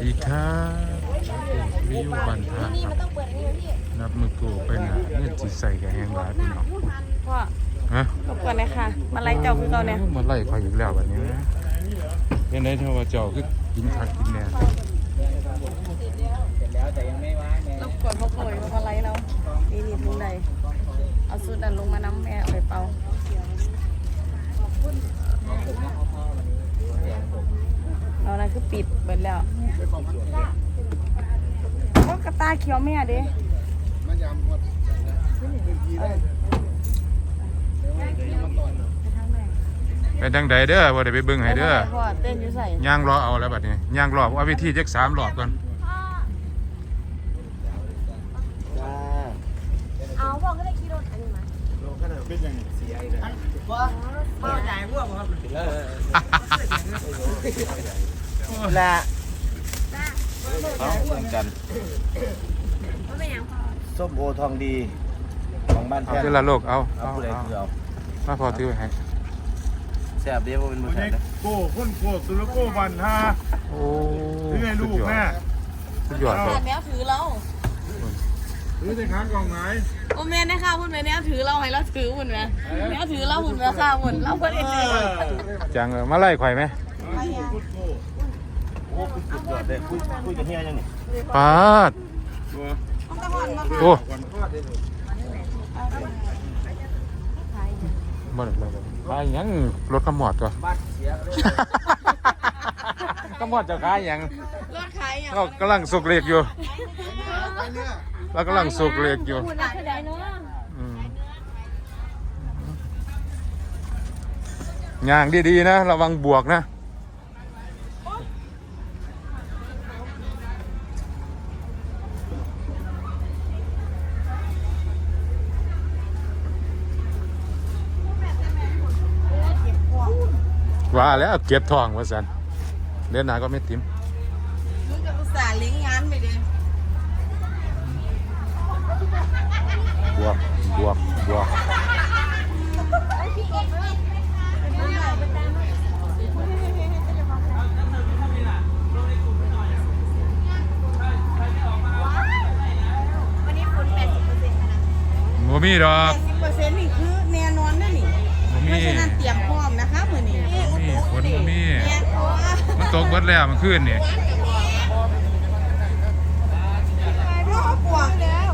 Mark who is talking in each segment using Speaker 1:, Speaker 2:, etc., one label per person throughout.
Speaker 1: ดีครับวิวบันทาครับนับมือกูเป็นเงื่อนจิตใส่กับแหงหลายพี่น้อง
Speaker 2: พ่อ
Speaker 1: ฮะ
Speaker 2: รบกวนเลยค่ะมาไล่เจ้าคือเราเนี่ย
Speaker 1: มาไล่คอยอีกแล้วแบบนี้นะเป็นไงเท่าว่าเจ้าคือกินคักกินแน่
Speaker 2: รบกวนพ่อโผล่มาไล่เรานี่ทุงใดเอาสูตรนั้นลงมาน้ำแม่เอาไปเป่าเรานั่นคือปิดเบิดแล้วพวกกระตาเขียวแม่เด้
Speaker 1: ไปทางใดเด้อว่าได้ไปเบิ่งให้เด้อ
Speaker 2: พ่อเต้นอยู่ใส่
Speaker 1: ย่างรอเอาแล้วบัดนี้ย่างรอเอาวิธีจัก3รอบก่อน
Speaker 3: เอาบอกก็ได้ขี่รถอันนี้มา
Speaker 4: และเอาเหมือนกัน
Speaker 3: ว่าเป็นยังพอ
Speaker 4: ส้มโอทองดีของบ้าน
Speaker 1: เอา
Speaker 4: แท้
Speaker 1: เดี๋ยวละโลกเอา
Speaker 4: เอาผู้ใดคือเอา
Speaker 1: มาพอถือไว้ให้
Speaker 4: แซ่บเดียวว่าเป็นมือแซ่บนะ
Speaker 5: โก้คนโก้สุรโก้บันฮา
Speaker 1: โอ้
Speaker 5: ถือไงลูกแม่
Speaker 1: สุดยอดเลย
Speaker 2: แนวถือเรา
Speaker 5: ถือในขากล่องไหน
Speaker 2: โอเมนนะคะคุณแม่แนวถือเราให้เราถือหุ่นไหมแนวถือเราหุ่นไหมค่ะหุ่นเราคนเอง
Speaker 1: จังมาไล่ข่อยไหม
Speaker 4: โอ้คุยสุดยอดเลยคุยกับเฮียยังนี่
Speaker 1: ปาดโอ้บ่ได้เลยขายหยังรถขมอดตัว
Speaker 4: บ้านเสียเลย
Speaker 1: ขมอดจะขายหยัง
Speaker 2: รถขายอย่าง
Speaker 1: เรากำลังสุกเหล็กอยู่เรากำลังสุกเหล็กอยู่
Speaker 3: หุ่นรักใดเนาะ
Speaker 1: อืมย่างดีๆนะระวังบวกนะว่าแล้วเก็บทองว่าสันเดือนหน้าก็ไม่ติ้ม
Speaker 2: มึงจะอุตส่าห์ลิงก์งานไปดิ
Speaker 1: บวกบวกบวกบ่มีดอก
Speaker 2: 80%นี่คือแน่นอนนะนี่
Speaker 1: บ่
Speaker 2: เพ
Speaker 1: มี
Speaker 2: ราะฉะนั้นเตรียมพร้อมนะคะมื้อนี้
Speaker 1: บ่มีฝนบ่มี
Speaker 2: เนี่ยเพราะว่า
Speaker 1: มันตกเบิดแล้วมันขึ้นนี่
Speaker 2: พ่อปวดแล้ว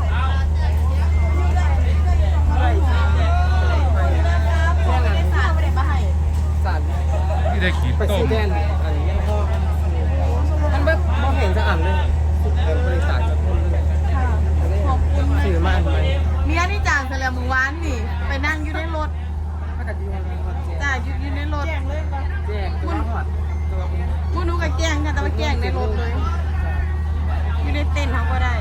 Speaker 2: พ่อไม่ได้สาดไม่ได้มาให้
Speaker 1: ที่ได้ขีดต้ม
Speaker 4: มันแบบมองเห็นจะอ่านเลยบริษัทจะพูดเลย
Speaker 2: ขอบคุณ
Speaker 4: สื่อมากไหม
Speaker 2: เมียนี่จ่างไปแล้วเมื่อวานนี่ ไปนั่งอยู่ในรถจ่าอยู่ในรถ
Speaker 4: แจ้งตัวหอด
Speaker 2: กูนูกับแกล้งค่ะแต่ว่าแกล้งในรถเลย อยู่ในเต็นท์เขาก็ได้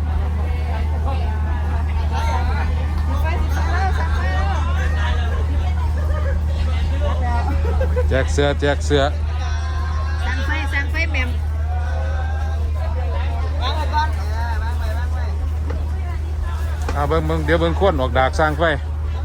Speaker 1: แจกเสื้อแจกเสื้อ
Speaker 2: สั่งไฟแมม
Speaker 1: เอาเบิ่งเดี๋ยวเบิ่งคนออกดากสร้างไฟ
Speaker 2: มัน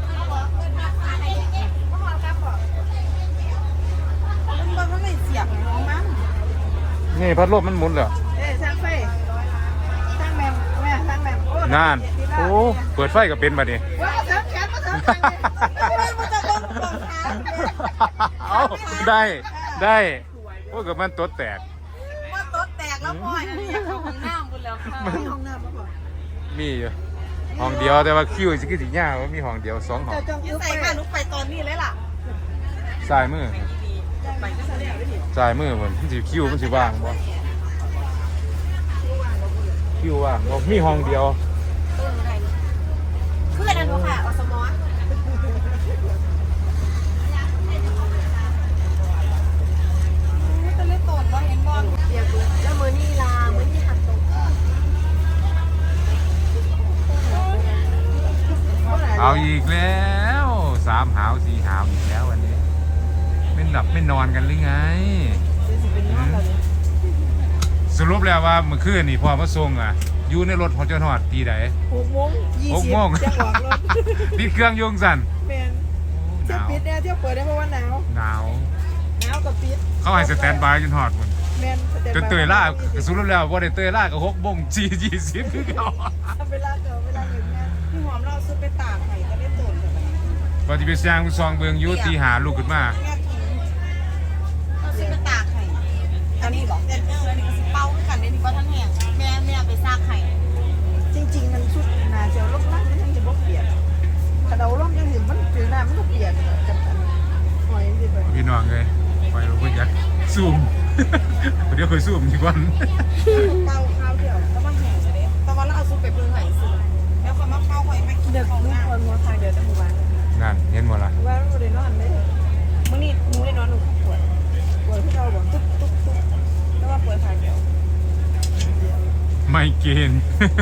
Speaker 2: บอกว่าไม่เสียบของมัน
Speaker 1: นี่พัดลมมันหมุนเหรอ
Speaker 2: สั่งไฟสั่งแมมแม่สั่งแมมโอ้
Speaker 1: นานโอ้เปิดไฟก็เป็นบัดนี้
Speaker 2: ว่าเถิงแขนมาเถิงแขนมันจะต้องขา
Speaker 1: เอาได้โอ้กับมันตัวแตก
Speaker 2: ว่าโต๊ะแตกแล้วพ่อยอันนี้เข้าห้องน้ำบุญแล้วค่ะห้องน้ำมาก่อน
Speaker 1: มีอยู่ห้องเดียวแต่ว่าคิวสิคือสิยากว่ามีห้องเดียว2ห้อง
Speaker 2: ยิ่งใส่ค่ะนุกไปตอนนี้เลยล่ะ
Speaker 1: ซ้ายมือ
Speaker 2: ไปก็แสดงได้ดิ
Speaker 1: ซ้ายมือมันสิคิวมันสิว่างบ่คิวว่างบ่มีห้องเดียว
Speaker 3: เพื่อนอันนู้นค่ะอสมอ
Speaker 2: จะเล่นโตนบ่เห็นบอล
Speaker 3: เดี๋ยวแล้วมือนี่ลามือนี่หักตก
Speaker 1: เอาอีกแล้ว3หาว4หาวอีกแล้ววันนี้ไม่หลับไม่นอนกันหรือไงสรุปแล้วว่าเมื่อคืนนี่พอมาส่งอ่ะอยู่ในรถของเจ้าหอดตีใด
Speaker 2: 6 โมง
Speaker 1: 6 โมง
Speaker 2: จะออกรถ
Speaker 1: ปิดเครื่องยงสั่น
Speaker 2: เป็น
Speaker 1: ห
Speaker 2: เที่ยวน
Speaker 1: าว
Speaker 2: ปิดเนี่ยเที่ยวเปิดได้เพราะว่าหนาว
Speaker 1: หนาว
Speaker 2: หนาวกับปิด
Speaker 1: เขาให้สแตนบายจนหอดหมด
Speaker 2: แม่น
Speaker 1: จนเตยล่าสุดแล้วว่าได้เตยล่ากับ6:20คือเขา
Speaker 2: เวลาเกิดเวลาอย่างเงี้ยพี่หอมเราซื้อไปตากไข่ก็ได้ตุ่นแบบนี้
Speaker 1: ว่าที่ไปสร้างซองเบิงอยุตีหาลูกขึ้นมา
Speaker 2: แม่กินเราซื้อไปตากไข่อันนี้บอกอันนี้ก็สิเป้าขึ้นกันได้ดีกว่าท่านแห้งแม่เอาไปซากไข่จริงๆมันชุดนาเจียวลบลักมันยังจะบ่เปลี่ยนถ้าเราล่มยังเห็นมันผิวหน้ามันก็เปลี่ยนกันหอยสิไป
Speaker 1: พี่น้องเลยไปเราก็ยักซูม เดี๋ยวเคยซูมดีกว่า
Speaker 2: เป้าข้าวเดียวแล้วมันแห้งเลยแต่ว่าเราเอาซุปไปเปลืองไข่ซื้อแล้วคนมาเป้าไข่ไม่กินเด็กลูกคนหัวไข่เดี๋ยวจะหมู่บ้าน
Speaker 1: นั่นเห็นหมดละ
Speaker 2: ว่าเราได้นอนเลยมื้อนี้หนูได้นอนหนูปวดที่เราบอกตุ๊บแล้วว่าปวดขาเดียว
Speaker 1: ไม่เกณฑ์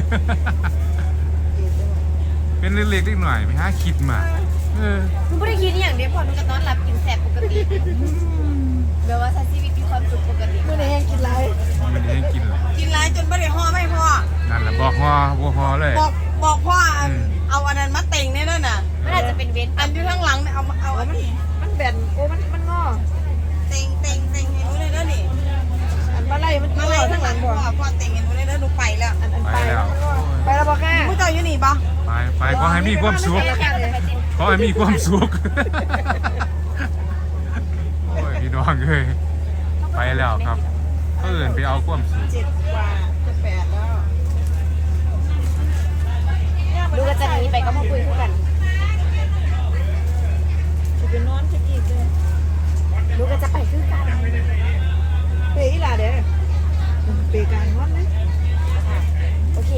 Speaker 1: เป็นเล็กๆหน่อยไปหาคิดมา
Speaker 3: หนูไม่ได้คิดอย่างเดียวพอหนูก็นอนหลับกินแสบปกติแบบว่าใช้ชีวิตมีความสุขปกติ
Speaker 2: มื้อนี้ยังกินไร
Speaker 1: มันให้กินเลย
Speaker 2: กินไรจนไม่ได้ห่อไม่พอ
Speaker 1: นั่นแหละบอกฮอบัวฮอเลย
Speaker 2: บอกพ่อเอาอันนั้นมาเต็งเนี่ยน่ะ
Speaker 3: มันอาจจะเป็นเว้น
Speaker 2: อันอยู่ข้างหลังเนี่ยเอาอันนี้มันแบนโอ้มันงอเต็งให้รู้เลยนะนี่อันมาไล่มันมาไล่ข้างหลังพ่อเต็งให้รู้เลยนะหนูไปแล้วอัน
Speaker 1: ไปแล้ว
Speaker 2: ไปแล้วบอกแค่ผู้เจ้าอยู่นี่ปะ
Speaker 1: ไปขอให้มีความสุขขอให้มีความสุขโอ้ยพี่น้องเลยไปแล้วครับเอื่นไปเอาความสุข
Speaker 2: 7 กว่าจะ 8แล้ว
Speaker 3: ดูก็จะหนีไปก็มาคุยกัน
Speaker 2: จะไปนอนจะอีกเลย
Speaker 3: ดูก็จะไปคือกัน
Speaker 2: เปย์อีหล่ะเด้อเปย์การนอนเลย
Speaker 3: โอเค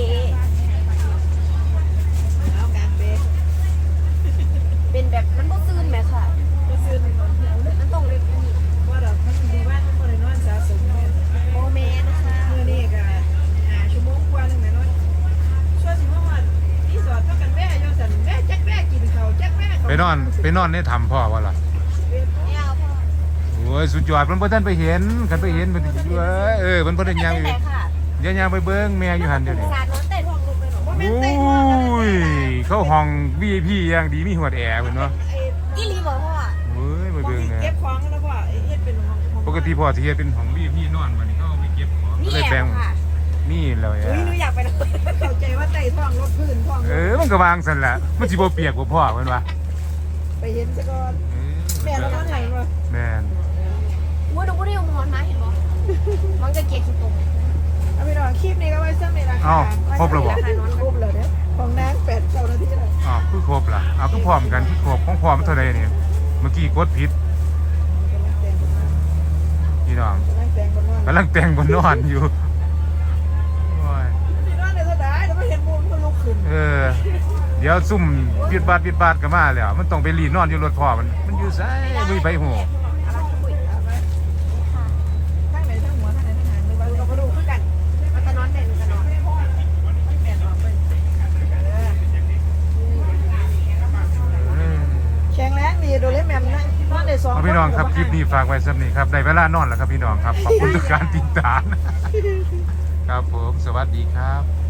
Speaker 2: เอาการเปย์
Speaker 3: เป็นแบบมันต้องตื่นไหมค่ะ
Speaker 2: ก็ซื้อมัน
Speaker 3: มันต้องเรียนอีก
Speaker 2: ว่าดอกมันดีว่ามันบ่ได้นอนสะสมเลย
Speaker 3: โมเมนต์นะคะ
Speaker 2: มื้อนี้ก็5 ชั่วโมงกว่านึงแม่นอนช่วยสิมาว่ารีสอร์ทเท่ากันแม่อยู่ซั่นแม่จักแม่กินข้าวจักแม่
Speaker 1: ไปนอนในถ้ำพ่อวะล่ะ
Speaker 3: ไม่เอาพ่อ
Speaker 1: โอ้ยสุดยอดเพิ่นบ่ทันไปเห็นกันไปเห็นเพิ่นสิเว้ยเพิ่นบ่ได้ย่างอยู่
Speaker 3: เป็นไรค่ะ
Speaker 1: เดี๋ยวย่างไปเบิ่งแม่อยู่หั่นเดี๋ยวนี้
Speaker 3: สาดน้องเตะทองลูกไปหนู
Speaker 2: บ่
Speaker 1: โอ
Speaker 2: แม่นเต้นว่ากัน้
Speaker 1: ยเข้าห้อง VIP อย่างดีมีหวดแอร์เพิ่นเนาะ
Speaker 3: อีลีบอกพ่อ
Speaker 1: เฮ้ยไป
Speaker 2: บ่
Speaker 1: เบิ่ง
Speaker 2: มี
Speaker 1: แหน่
Speaker 2: เก็บของแล้วบ่เฮ็ดเป็นห้อง
Speaker 1: ปกติพ่อสิเฮ็ดเป็นห้อง VIP นอนบัดนี้เขาเอาไปเก็บของ
Speaker 3: นี่
Speaker 1: ก็เลย
Speaker 3: แอ
Speaker 1: แบ่ง
Speaker 3: บค่ะ
Speaker 1: นี่เลย
Speaker 2: เฮ้ยหนูอยากไปนะเข้าใจว่าไต่ท้องรถพื้นท้อง
Speaker 1: มันก็วางซั่นล่ะมันสิบ่เปียกบ่พ่อเพิ่นว่า
Speaker 2: ไปเห็นซะก่อนแม่เรานอนหลังบ่
Speaker 1: แม่น
Speaker 3: ว่าดูว่าได้มอนมาเห็นบ่มันจะเกลียดขี้ตรง
Speaker 2: เอาไปนอนคลิปนี้ก็ไว้ซ้ำนี่ล่ะ
Speaker 1: อ้าวครบแล้วบ่
Speaker 2: ครบแล้วเด้อของนาง8-9 นาทีแล้ว
Speaker 1: อ้าวคือครบล่ะเอาคือพร้อมกันคือครบของพร้อมเท่าใดนี่เมื่อกี้กดผิดพี่น้องกำลังแต่งบนนอนอยู่โอ้ย
Speaker 2: นอนในสดายแต่ไม่เห็นมุมมันลุกขึ้น
Speaker 1: เดี๋ยวซุ่มปิดบาดก็มาแล้วมันต้องไปรีนอนอยู่รถพ่อมันอยู่ไสมีไปหู
Speaker 2: ข้างไหนทั้งหัวข้างไหนทั้งหางเลยว่าเราก็ดูคือกัน
Speaker 3: มันจะนอนเด่นกันนอน
Speaker 2: แม่นออกไปแข็งแรงดีโดเรมอนนะนอนได้2
Speaker 1: เอาพี่น้องครับคลิปนี้ฝากไว้สำนี้ครับได้เวลานอนแล้วครับพี่น้องครับขอบคุณทุกการติดตามครับผมสวัสดีครับ